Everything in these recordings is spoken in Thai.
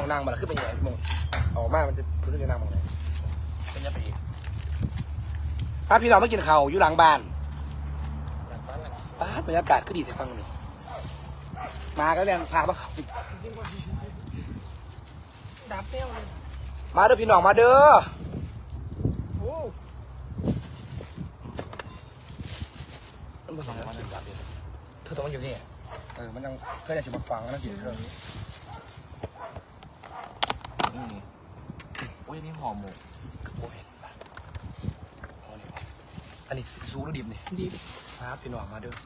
องนางมาแล้วขึ้นไปใหญ่มงออกมามันจะพื้นจะนั่งมองไหนเป็นยังไงอีกป้าพี่น้องไม่กินข้าวอยู่หลังบ้านหลังบ้านหลังป้าบรรยากาศก็ดีแต่ฟังนี่มาก็เรียนพามาเขาดับเปรี้ยวเลยมาเด้อพี่น้องมาเด้อโอ้มันบอกว่าเธอต้องมาอยู่นี่มันยังเพื่อนจะมาฟังแล้วกินเครื่องอุ้ยนี่ห่อหมกโอ้ยอันนี้ซูหรือดิบนี่ดีครับพี่น้องมาเด้อ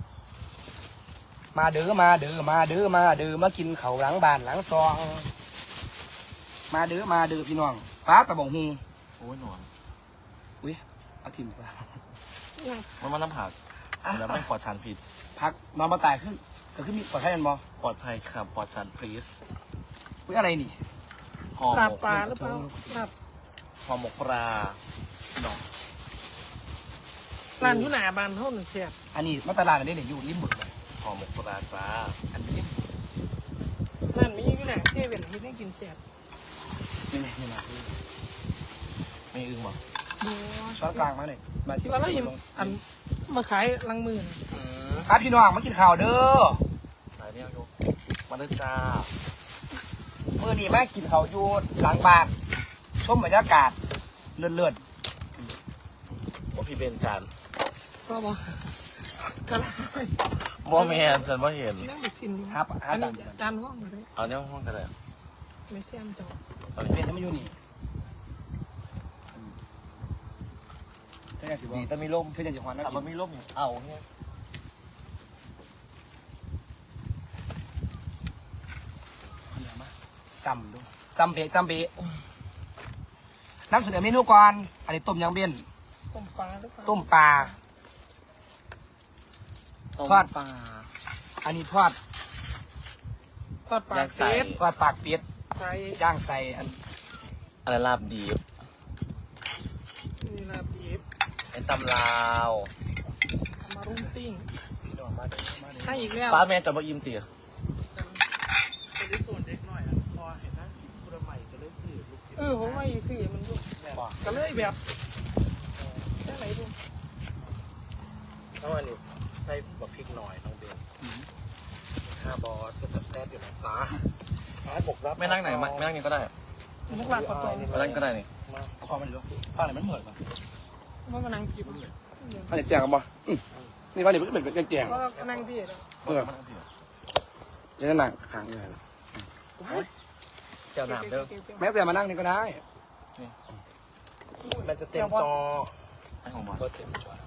มาเด้อมาเด้อมาเด้อมาเด้อมากินข้าวหลังบ้านหลังซองมาเด้อมาเด้อพี่น้องป้าตะบองฮูโอ้ยหนอนอุ้ยเอาทิมซะมันน้ำผักแล้วไม่ปลอดสารพิษพักนอนมาตายขึ้นก็ขึ้นมีปลอดภัยมันบ่ปลอดภัยครับปลอดสารพิษอุ้ยอะไรนี่ห่อหลาบมกปลาหรือเปล่าลาบห่อหมกปลาดอกร้านอยุหนาบานเท่าหนึ่งเสียบอันนี้มาตลาดอันนี้เนี่ยอยู่ริมบึกเลยห่อหมกปลาจ้าอันนี้ริมร้านมีอยุหนาเทเวนที่ได้กินเสียบนี่ไงนี่มาที่ไม่อึ้งหรอดูช้อนกลางมาหน่อยมาที่ว่าเราอิ่มอันมาขายลังมือครับพี่น้องมากินข้าวเด้อไหนเนี่ยลูกมาเลยจ้ามื้อนี้มากินข้าวอยู่หลังบ้านชมบรรยากาศเลื่อนว่าพี่เบนจานก็บอกกันว่าแมนฉันว่าเห็นนั่งบิกซินๆครับอัหาน จานี้นจานห้องเลยเอาเนี่ยห้องกันเลยไม่เสียมจอเอาเลเป็นยที่มาอยู่นี่เธออยากสิบอดีกแต่มีร่มเธออยากจะหวานนะถามว่ามีร่มอยู่เอาเนี่ยจำดูจำเบะจำเบะนำเสนอเมนูก่อนอันนี้ต้มยำเบี้ยนต้มปลาหรือเปล่าต้มปลา ทอดปลาอันนี้ทอดทอดปลาอยากใส่เป็ดทอดปากเป็ดใส่ย่างใส่อันอะไรลาบดีบนี่ลาบดิบเป็นตำลาวเอามารุ่งติ้งพี่น้องมาเด้อมาเด้อให้อีกแล้วป้าแม่จะมาอิ่มเตี๋ยผมว่าอีสี่มันดูบอกก็เลยแบบแค่ไหนดูต้องอันนี้ใส่บะพริกหน่อยน้องเบน5 บอสก็จะแซ่บอยู่นะจ้าไม่นั่งไหนไม่นั่งนี่ก็ได้มุกลาบปลาตองไม่นั่งก็ได้นี่เอาความมันเหลือป้าอะไรมันเหมือนป่ะว่ามานั่งกินป้าเนี่ยแจงกันบ่นี่ป้าเนี่ยมันก็เป็นแจงก็นั่งที่แล้วจะนั่งขังเลยเจ้าหนามเด้อแม้แต่มานั่งนี่ก็ได้มันจะเต็มจอไอของบอสก็เต็มจอ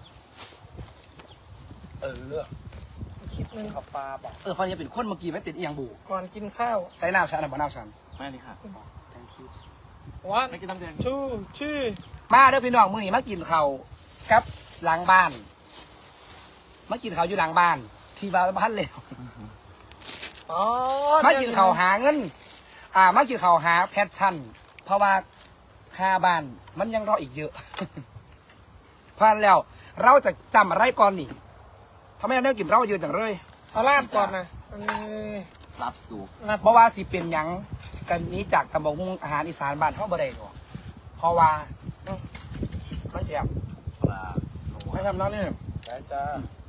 เลือกคิดนึงข้าวปลาบอกฟันจะเป็นคนเมื่อกี้ไม่เป็นอีหยังบูก่อนกินข้าวใส่น้ำชันหรือบ่น้ำชันไม่นี่ค่ะ thank you วันไม่กินน้ำแดงชูชื่อมาเด้อพี่น้องมื้อนี้มากินข้าวครับหลังบ้านมากินข้าวอยู่หลังบ้าน ที่บ้านเลยอ๋อมากินข้าวหาเงินมากินข้าวหาแพชชั่น เพราะว่าค่าบ้านมันยังรออีกเยอะ เพราะฉะนั้นแล้ว เราจะจำอะไรก่อนนี่ทำไมเราได้กินเราเยอะจังเลยเอาลาบก่อนนะรับสูบลาบเพราะว่าสิเป็นหยังกันนี้จากตำบลหุ้งอาหารอีสานบ้านเฮาบ่ได้หรอกเพราะว่ามันแซ่บปลาไม่ทำแล้วนี่ได้จ้า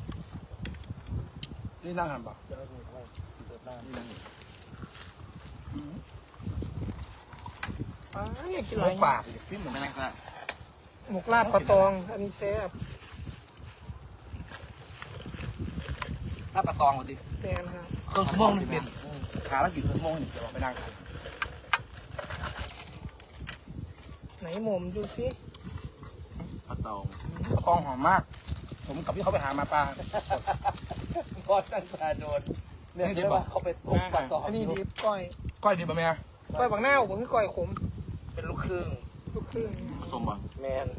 นี่นั่งหันบ่อยากกินหอะไรมูป่าพี่หมูไม่นั่งก็ได้หมกลาบปลาตอง อันนี้แซ่บลาบปลาตองมาดิแดนครับเครื่องชั่วโมงนี่เป็นขาแล้วกี่เครื่องชั่วโมงนี่จะลองไปนั่งกันไหนหมมดูสิปลาตองปลาตองหอมมากผมกับพี่เขาไปหามาปลาพอตั้งปลาโดนเนี่ยเดี๋ยวเขาไปต้มปลาตองอันนี้ดิบก้อยก้อยดีป่ะแม่ก้อยบางหน้าผมคือก้อยขมเป็นลูกครึ่งลูกครึ่งสมบังแมน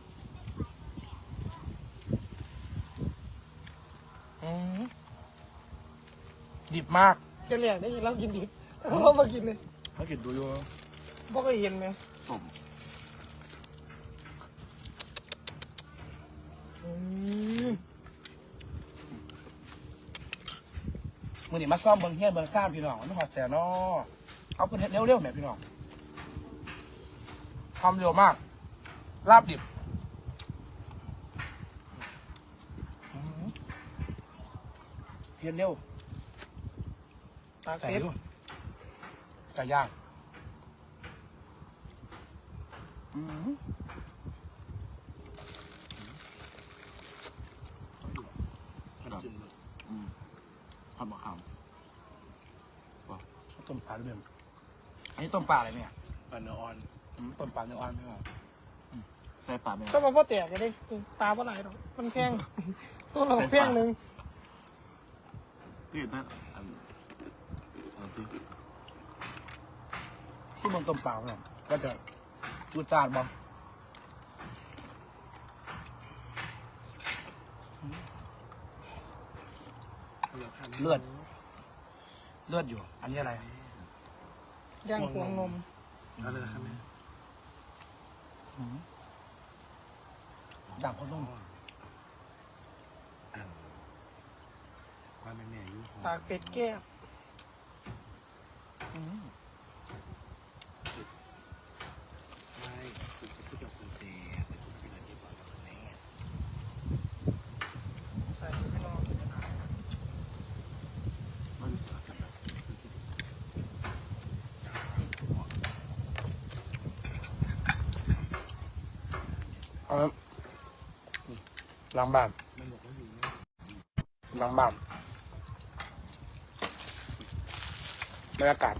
ดิบมากเฉลี่ยได้ยินเรากินดิบเรามากินเลยเขากินดูอยู่บ่เคยเห็นไหมสมมือนี่มาซ่อมเบิ้งเฮียนเบิ้งซ่านพี่น้องมันหอดแสนอเอาเป็นเห็ดเร็วๆหน่อยพี่น้องทำเร็วมากลาบดิบเห็ดเร็วปลาใส่เป็ดด้วยไก่ย่างผัดมะขามต้มปลาด้วยเบมอันนี้ต้มปลาอะไรเนี่ยปลาเนื้ออ่อนต้มปลาเนื้ออ่อนพี่น้องใส่ปลาไหมก็มาพ่อแตกกันดิปลาปลาไหลหรอกมันแพงตัวเราแพงหนึ่งที่นั่นที่ซึ่งบนต้มปลาเนี่ยก็จะจูดจานบ้างเลือดอยู่ อันนี้อะไรย่างพวงนมอะไรนะครับแม่ด่างข้าวต้มว่าแม่แม่ยุ่งปลาเป็ดแก้วไม่คือผู้จับคุณเจแต่คุณเป็นอะไรที่บอกกับแม่ใส่ไปลองไม่รู้สึกอะไรแบบล้างบ้านมันบอกว่าอยู่นะล้างบ้านบรรยากาศ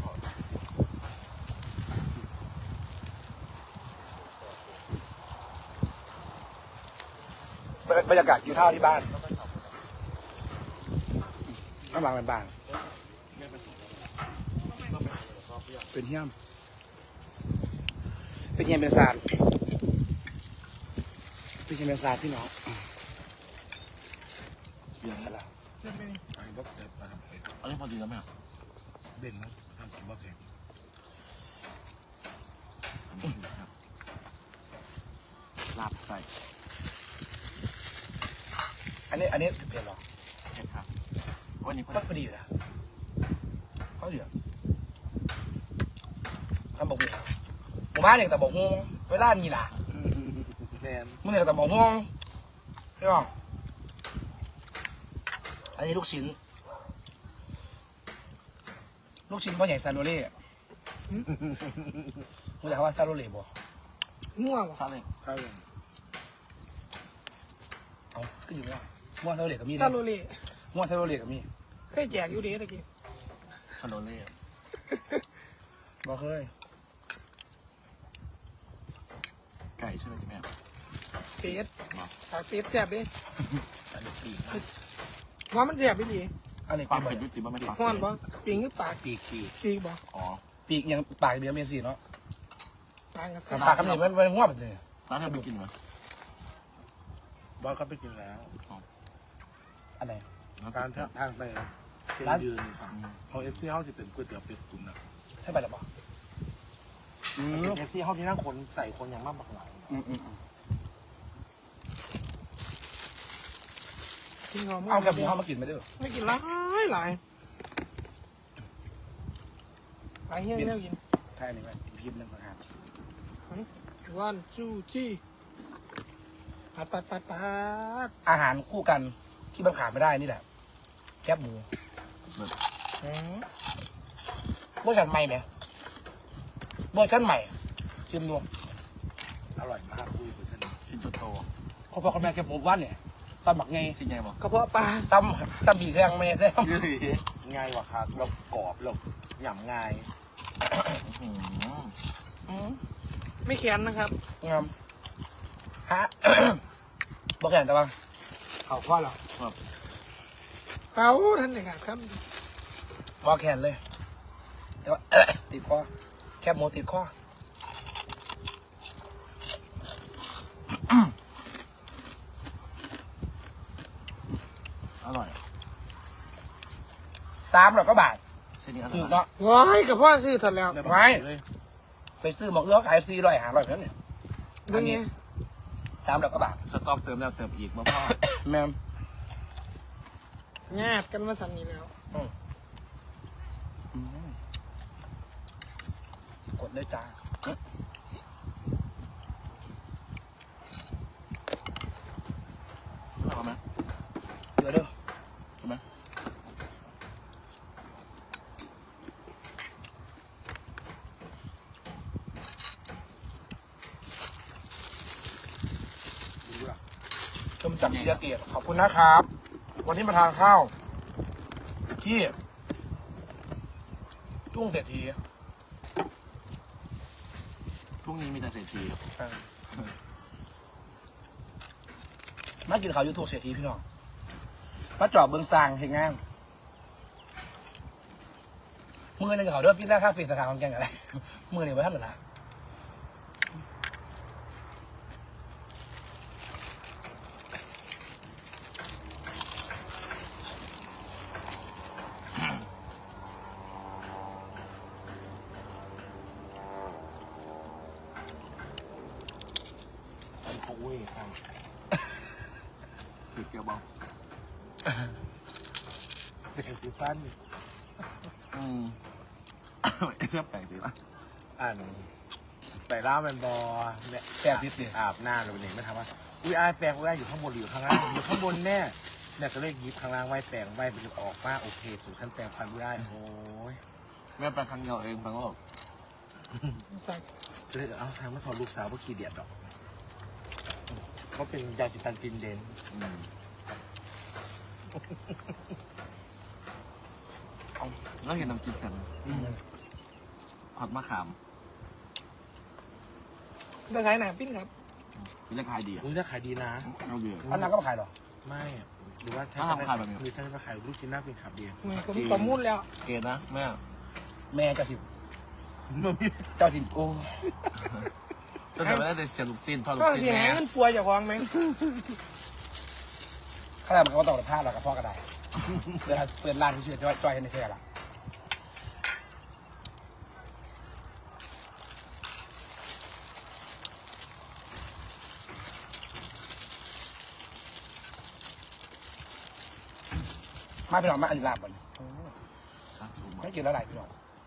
บรรยากาศกินข้าวที่บ้านข้างหลังเป็นบ้านเป็นเฮี้ยมเป็นเฮี้ยมเป็นซานเป็นเฮี้ยมเป็นซานพี่น้องเบียร์อะไรเดี๋ยวไปนี่ไอ้บ๊อบเด็ดมาทำเป็ดอันนี้พอดีแล้วไหมเด่นนะทำกินบ๊อบเด็ดลาบใส่อันนี้เปลี่ยนหรอเผ็ดครับวันนี้ก็พอดีอยู่นะเขาเหลือทำบอกหูหมู่บ้านเนี่ยแต่บอกหูเวลานี่ล่ะแมนมึงเนี่ยแต่บอกหูพี่น้องอันนี้ลูกชิ้นพ่อใหญ่ซาโรเล่มึงอยากว่าซาโรเล่บ่ง่วงซาเล้งครับเอาก็อยู่ว่าม้วนซาโรเล่กับมีซาโลเล่ม้วนซาโรเล่กับมีเคยแจกอยู่เด้ตะกี้ซาโลเล่บ่เคยไก่ใช่ไหมแม่เป็ดปลาเป็ดแซ่บเด้อันนี้ปีกว่ามันแซ่บไปดิอันนี้ปลาปีกเป็ดยุติบ้างไหมปลาห้อนบ่ปิงหรือปลาปีกปีกบ่อ๋อปีกยังปากเบี้ยเมียสีเนาะปลากับปากคำนี้มันง่วงไปเลยร้านเธอไปกินไหมบอสก็ไปกินแล้วอันไหนการทางไปเชียงยืนนี่ครับเขาเอฟซีเฮาจะเป็นก๋วยเตี๋ยวเป็ดตุ๋นนะใช่ไปหรือเปล่าเอฟซีเฮาที่นั่งคนใส่คนอย่างมากบักหลายกินหอมเอาแคบหมูเข้ามากินไปเด้อไม่กินหลายหลายเฮี้ยเฮี้ยกินใช่นี่ไหมอีกพิมพ์หนึ่งนะครับวันจูจี้ปัดอาหารคู่กันที่มันขาดไม่ได้นี่แหละ แคบหมูเวอร์ชันใหม่ไหมเวอร์ชันใหม่ชิมดูอร่อยมากคุยกับฉันชิ้นโตเขาบอกคนแม่แคบหมูบ้านเนี่ยตอนหมักไงชิ้นใหญ่บอกกระเพาะปลาซ้ำบีแรงไม่ได้ง่ายกว่าครับเรากรอบเราหย่ำง่ายไม่แข็งนะครับงามฮะ บอกแก่นแต่ว่าเขาคว้าเหรอเป้าท่านหนึ่งครับบอกแขนเลยแต่ว่า ติดคอแคบหมูติดคออร่อย 300 กว่าบาทเส้นนี้อร่ถูอก ยเนาะว้ายกระเพาะซื้อถัดแล้วไม่ไปซื้อหมอกเอื้อขาย400 500เท่านั้นเนี่ยเรื่องนี้ 300 กว่าบาทสต๊อกเติมแล้วเติมอีกมาพ่อแม่มญาติกันมาสั่นนี้แล้วดเลยจ้าเอาไหมเดี๋ยวเด้อเอาไหมชมจากศรีสะเกษขอบคุณนะครับ วันนี้มาทานข้าวที่ทุ่งเศรษฐีพรุ่งนี้มีแต่เศรษฐีมากินข้าวยูทูบเศรษฐีพี่น้องมาจอบเบืองซางเห็นงานมือหนึ่งเขาเริ่มฟิตแรกค่าฟิตสาขาของแกงอะไรมือหนึ่งไปท่านหรือละเขาเว้ยครับถือเกียวบอลเป็นสิฟันเสื้อแปลกสิละอ่านใส่ล่ามันบอเนี่ยแปดพิษเนี่ยอาบหน้าหรือเนี่ยไม่ทำว่าอุ้ยอายแปลงอุ้ยอายอยู่ข้างบนหรืออยู่ข้างล่างอยู่ข้างบนแน่เนี่ยก็เลยหยิบข้างล่างไว้แปลงไว้ไปออกมาโอเคสู่ชั้นแปลงฟันอุ้ยอายโอ้ยแม่แปลงครั้งเดียวเองแปลงก็บอกสั่งจะเลยเอาทางไม่ขอลูกสาวว่าขี้เดียดดอกเขาเป็นยาจิตันจินเดนแล้วเห็นน้ำจิ้มเสร็จผัดมะขามจะขายหนาปิ้นครับเป็นราคาดีอ่ะอุ้ยถ้าขายดีนะเอาเยอะอันนั้นก็มาขายหรอไม่หรือว่าถ้าทำขายแบบนี้หรือฉันจะมาขายลูกชิ้นหน้าเป็นขับเดียวมือผมประมุ่นแล้วเกณฑ์นะแม่แม่เจ้าสิบเจ้าสิบโอ้จะใส่ไม่ได้แต่เสียลูกสิ้นทอดลูก็กสิ้นเสียแม่เงินปัวอย่าควางไหมขนาดมันก็ต้องผ้าเรากับพ่อก็ได้เปิดร้านที่ชื่อจอยให้ในเชื่อละมาพี่น้องมาอันนี้ลาบก่อนไม่กินแล้วไหนพี่น้อง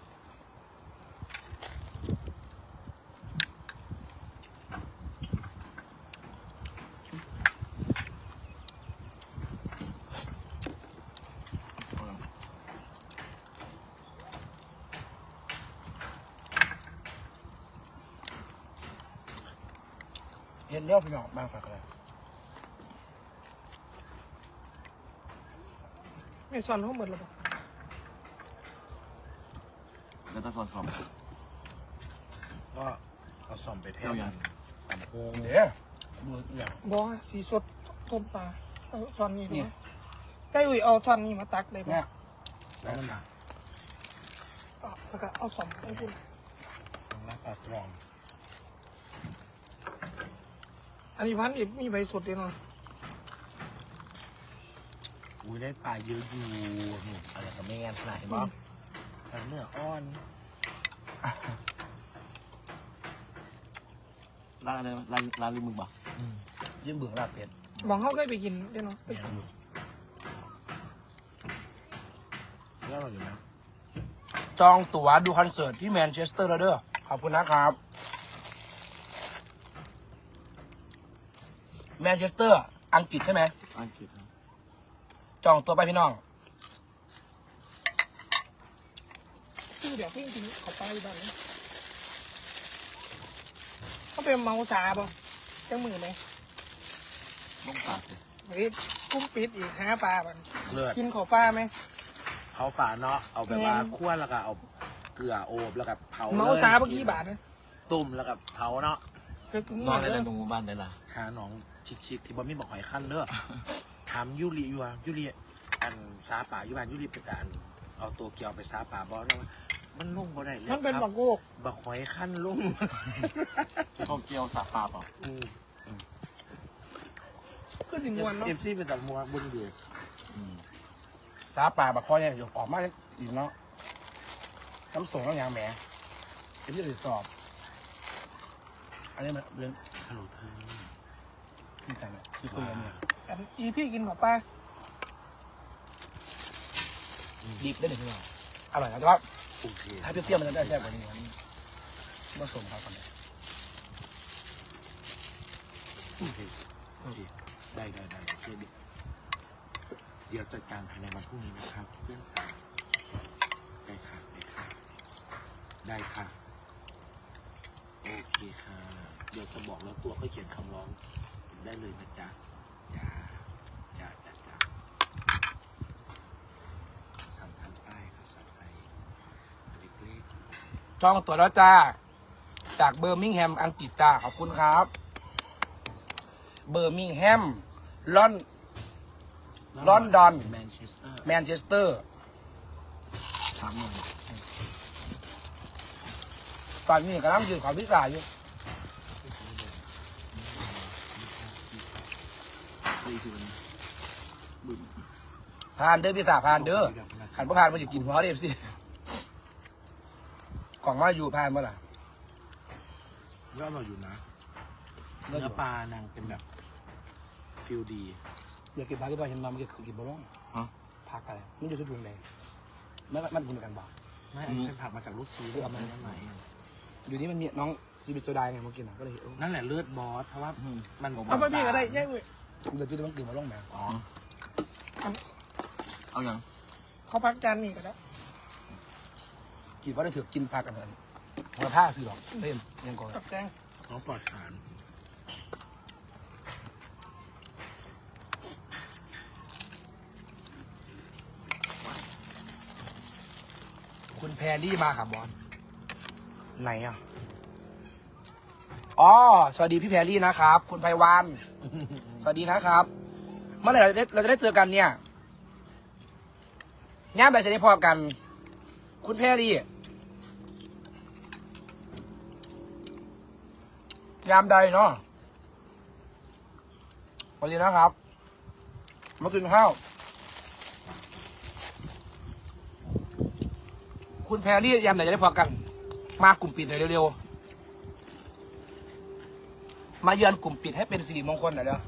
เห็นเลี้ยวพี่น้องมาฝากอะไรไม่สอนเขาหมดหรอกแล้วตาซอนก็เอาซ่อมไปแทนเอาอย่างตันโค้งเดี๋ยวมืออย่างบอกสีสดต้มปลาเอาสอนนี่ด้วยได้อุ้ยเอาสอนนี่มาตักเลยเนี่ป่ะยแล้วมันมาแล้วก็เอาสอนให้คุณต้องรับปลาตรองอันนี้พันอีกมีใบสดเดียวหน่อยอุ้ยได้ปลาเยอะอยู่นี่อะไรกับไม่งานขนาดเห็นป่ะปลาเนื้ออ่อนร้านอะไรร้านริมมึงบ่ยิ่งเบื่อลาบเป็ดมองเขาเคยไปกินเดี๋ยวหน่อยแล้วเราอยู่นะจองตั๋วดูคอนเสิร์ตที่แมนเชสเตอร์แล้วเด้อขอบคุณนะครับแมนเชสเตอร์อังกฤษใช่ไหมอังกฤษครับจองตัวไปพี่น้องคือเดี๋ยวเพิ่งกินเขาไปบ้างเขาเป็นเมาสาบ่จังมือไหมลงปากเลยเฮ้ยกุ้งปิดอีกหาปลาบันเลือดกินขอปลาไหมเขาปลาเนาะเอาแบบว่าคั่วแล้วก็เอาเกลือโอบแล้วก็เผาเมาสาเมื่อกี้บาทนะตุ่มแล้วก็เผาเนาะคือกินนอนได้เลเลยยตรงหมู่บ้านได้ละหาหนองชิกๆที่บ่มีบอกหอยขั้นเด้อถามยุริอยู่ว่ายุริอันซาป่าอยู่บ้านยุริเป็นการเอาตัวเกียวไปซาป่าบ่แล้วว่ามันลุ่งบ่ได้เลยมันเป็นคบัรับกโกกบักหอยขั้นลุ่งโตเกียวสาปาเปล่าคือสิมวนเนาะเอฟซีเป็นตัดมัวบุญเดือสาป่าบักคอยเนี่ยอยู่ออกมาอีกเนาะน้ำส่งน้ำยางแหมเอ็มยี่สิบสอบอันนี้มันเรื่องฮัลโหลเธอที่ไหนเนี่ยที่คุยกันเนี่ยอันอีพี่กินขอปลาดิบได้หนึ่งพี่น้องอร่อยนะแต่ว่าโอเคถ้าเปรี้ยวๆมันจะได้แซ่บกว่านี้ผสมครับก่อนเลยโอเคได้โอเคเดี๋ยวจัดการภายในวันพรุ่งนี้นะครับเพื่อนสาวได้ค่ะได้ค่ะโอเคค่ะเดี๋ยวจะบอกแล้วตัวก็เขียนคำร้องได้เลยนะจ๊ะอย่าสั่งทางใต้ภาษาไทยเล็กจองตั๋วแล้วจ้าจากเบอร์มิงแฮมอังกฤษจ้าขอบคุณครับ เบอร์มิงแฮมลอนๆลอนดอนแมนเชสเตอร์แมนเชสเตอร์ 3 หน่วยตอนนี้กำลังยืนขอพิการอยู่ผ่านเด้อพี่สาผ่านเด้อขันพระผ่านมาอยู่กินหัวเดฟสิกล่องมาอยู่ผ่านเมื่อไหร่ก็อร่อยอยู่นะเนื้อปลานางเป็นแบบฟิลดีอยากกินผักที่บ้านเห็นมาเมื่อกี้กินบะร่องฮะผักอะไรมันอยู่ชุดยุงเลยมันกินกันบ่ไม่อันนี้เป็นผักมาจากลูกซีด้วยเอามาจากไหนอยู่นี่มันมีน้องซีบิโซดาไงเมื่อกี้นะก็เลยเออนั่นแหละเลือดบอส เพราะว่ามันเอาไปพี่ก็ได้แยกอุ้ยเดี๋ยวจุดมันกินบะร่องแม่อ๋อเอาอย่างเขาพักจานนี่ก็ได้กินว่าได้ถือกินผักกันเถอะหัวผ้าคือหรอกเล่นยังก่อนกับแกงของปลอดสารคุณแพรรี่มาค่ะบอลไหนอ่ะอ๋อสวัสดีพี่แพรรี่นะครับ คุณไพวัน สวัสดีนะครับ เมื่อไหร่เราจะได้เจอกันเนี่ยงานแบบจะได้พอกัน คุณแพรรี่ยามใดเนาะสวัสดีนะครับมากินข้าวคุณแพรรี่ยามไหนจะได้พอกัน มากลุ่มปิดหน่อยเร็วๆมาเยือนกลุ่มปิดให้เป็นสิริมงคลหน่อยเด้อ